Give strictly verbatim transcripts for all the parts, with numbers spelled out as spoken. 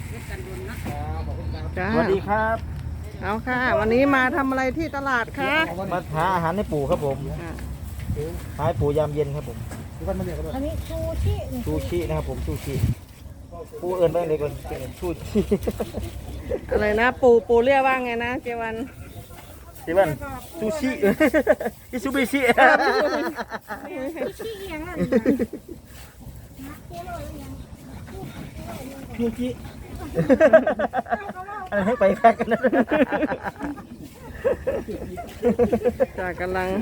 จ้าสวัสดีครับเอาค่ะ วันนี้มาทำอะไรที่ตลาดคะมาหาอาหารให้ปู่ครับผมอ่าหาให้ปู่ยามเย็นครับผมอันนี้ชูชินี่ซูชินะครับผมซูชิปู่เอิญไปเลยก่อนซูชิอะไรนะ ปูปูเรียกว่าไงนะเจวันเจวันซูชิอิซูบิชิชิเอียงอ่ะซูชิอันนี้ให้ไปแพ็กกันนะจ้ากำลัง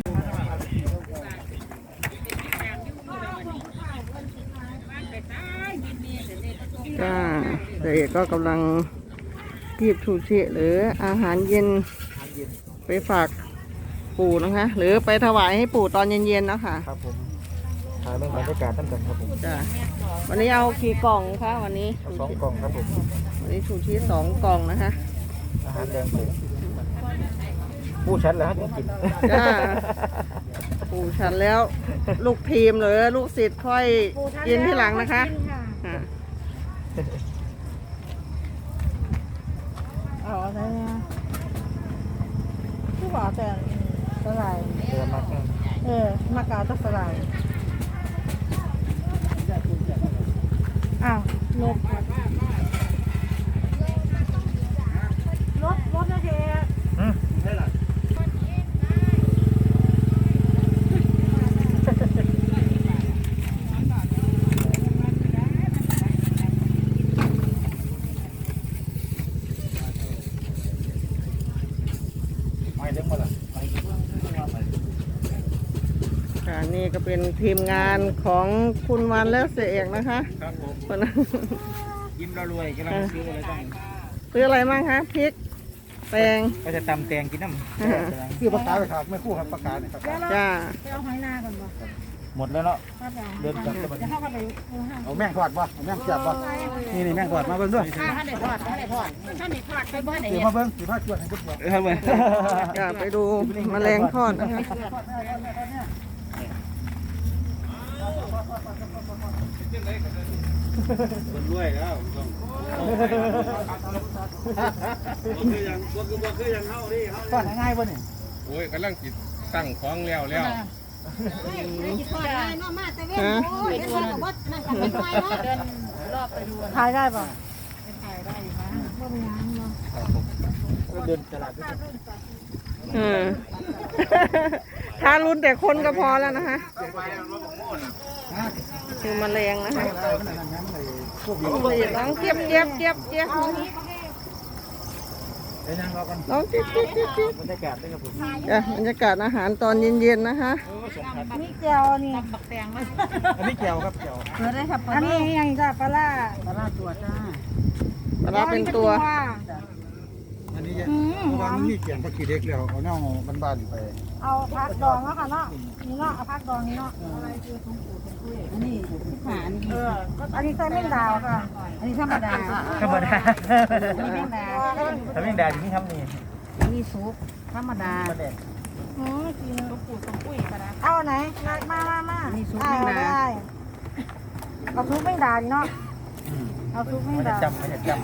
จ้าเด็กก็กำลังกีบชูชิหรืออาหารเย็นไปฝากปู่นะคะ หรือไปถวายให้ปู่ตอนเย็นๆนะคะครับผมถ่ายบรรยากาศตั้งแต่ครับผมจ้าวันนี้เอากี่กล่องคะวันนี้เอาสองกล่องครับผมวันนี้ชูชีสองกล่องนะคะอาหารแดงปู่ปู่ชัดแล้วฮะกินจ้าปู่ฉันแล้วลูกทีมหรือลูกศิษย์ค่อยกินที่หลังนะคะอ่าอ๋อใช่ไหมที่บอกแต่สลายเดือมากเออมากาวตัสลายอ้าวรถรถรถนะเจ๊อืมไม่เลี้ยงมาละค่ะนี่ก็เป็นทีมงานของคุณวันและเสียเอกนะคะครับผมคนนั้นยิ้มเรารวยกำลังซื้ออะไรบ้างซื้ออะไรบ้างคะพริกแตงก็จะตำแตงกินน้ำอ่าคือปลากาไปครับไม่คู่ครับปลากาเนี่ยครับจ้าไปเอาหอยนาก่อนบ่หมดแล้วเนาะเดินกลับจะเข้าไปเออฮะเอาแม่งทอดป่ะเอาแม่งเสียบป่ะนี่นี่แม่งทอดมาเบิ่งด้วยท่านไหนทอดท่านไหนทอดท่านไหนทอดไปบ้านไหนเดี๋ยวมาเบิ่งสิพาชวนให้เบิ่งครับเว้ยจ้าไปดูแมลงทอดนะคะคนรวยแล้วต้องคือยังก็คือบ่คือยังเฮาดิเฮาทอดง่ายป่ะนี่โอ้ยกำลังจิตตั้งของแล้วแล้วฮะถ่ายได้ป่ะเดินตลาดอืมถ้ารุนแต่คนก็พอแล้วนะคะคือแมลงนะคะน้องเจี๊ยบเจี๊ยบเจี๊ยบเจี๊ยบเดี๋ยวนั่งรอกันน้องเจี๊ยบเจี๊ยบเจี๊ยบเจี๊ยบบรรยากาศด้วยครับผมจ้ะบรรยากาศอาหารตอนเย็นๆนะคะนี่แก้วนี่อันนี้แก้วครับแก้วอันนี้ยังจ้ะปลาล่าปลาลาตัวจ้าปลาร้าเป็นตัวอันนี้เพราะว่ามันมีเกี่ยงผักขี้เล็กแล้วเอาเน่าบ้านๆไปเอาพักดองแล้วค่ะเนาะนี่เนาะเอาพักดองนี่เนาะอันนี้หานเอออันนี้ใส่แมงดาค่ะ อันนี้ธรรมดาธรรมดาอันนี้แมงดาถ้าไม่แดดอย่างนี้ทำนี่อันนี้ซุปธรรมดามาแดดอืมกินกับปูกับปุ้ยกันนะเอาไหนมามามาอันนี้ซุปแมงดาเอาซุปแมงดาดิเนาะเอาซุปแมงไม่ได้ดาจำไม่ได้จ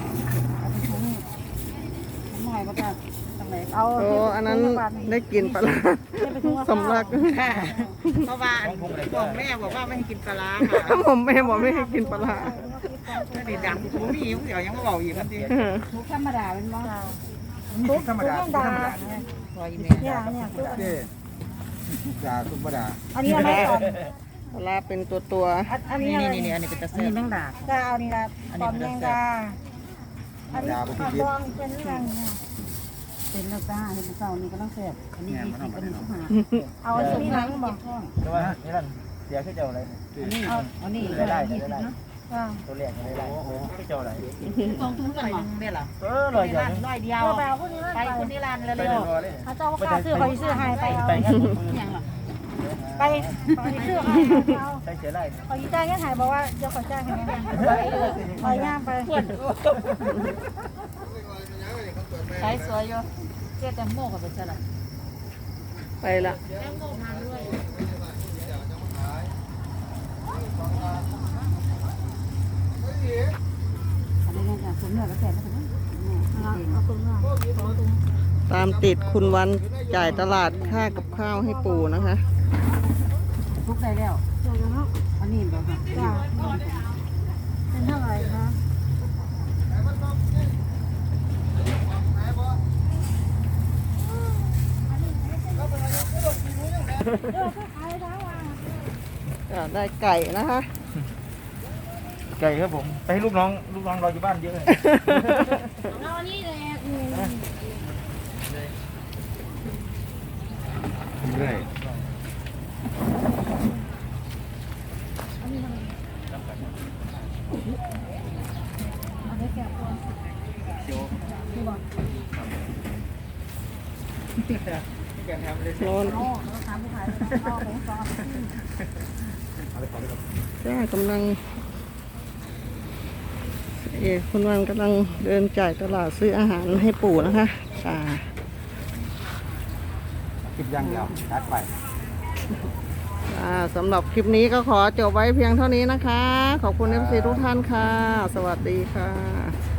หน่อยก็จะทำไมเอาโอ้อันนั้นได้กินปลาร้าสำลักเพราะว่าบอกแม่บอกว่าไม่ให้กินปลาร้าค่ะผมแม่บอกไม่ให้กินปลาร้าถ้าเด็ดดังผมมีหิวเดี๋ยวยังมาบอกอีกมันดิซุปธรรมดาเป็นมั้งำนี่ธรรมดาธรรมดาพออีแม่เนี่ยเนี่ยซุปเจ๊จ่าธรรมดาอันนี้อะไรก่อนปลาร้าเป็นตัวตัวอันนี้นี่อะไรนี่นี่อันนี้เป็นตะอันเซ่นี้แมงดาจะเอานี่ละตอนแมงดาอันนี้ปลาดองเป็นเรื่องเนี่ยเป็นแล้วจ้าเห็นเศร้านี่ก็ต้องเสพอันนี้ยี่สิบอันนี้สิบห้าเอาอันนี้หลังบอกใช่ไหมนี่นั่นเสียขึ้นเจ้าอะไรอันนี้อันนี้ได้ได้ยี่สิบได้เนาะตัวแรกได้ได้ขึ้นเจ้าอะไรสองถุงกันหรอเนี่ยเหรอเออลอยอย่างนี้ร้อยเดียวตัวแบบพวกนี้ไปคนที่ร้านไปเร็เดิวนรอเลยเขาเจ้าข้าซื้อคอยซื้อให้ไปเอาไปงั้นๆอย่างหรอไปคอยซื้อให้เอาใช้เสียไรคอยจ่ายเงินหายบอกว่าเดี๋ยวขอจ่ายให้แม่ไปย่างไปใช้สวยอยู่เจ๊แตงโมกับเป็นอะไรไปละอันนี้ก็จะเนี่ยผมเนี่ยก็แสบแล้วเอาตรงนั้นเอาตรงตามติดคุณวันจ่ายตลาดค่ากับข้าวให้ปู่นะคะทุกได้แล้วเดี๋ยวนะอันนี้บอกค่ะจ้าเป็นเท่าไหร่คะเออก็ขายทั้งวันอ่าได้ไก่นะคะไก่ครับผมไปให้ลูกน้องลูกน้องรออยู่บ้านเยอะเลยเอานี่เลยอืมเรื่อยเอาไปแกะตัวนี่บอกร้อนโอ้เราทำไม่ขายเลยนะเอาไปก่อนจ้ากำลัง เอกคุณวันกำลังเดินจ่ายตลาดซื้ออาหารให้ปู่นะคะค่ะกินย่างเดียวตัดไปอ่าสำหรับคลิปนี้ก็ขอจบไว้เพียงเท่านี้นะคะ ขอบคุณเอฟซีทุกท่านค่ะ สวัสดีค่ะ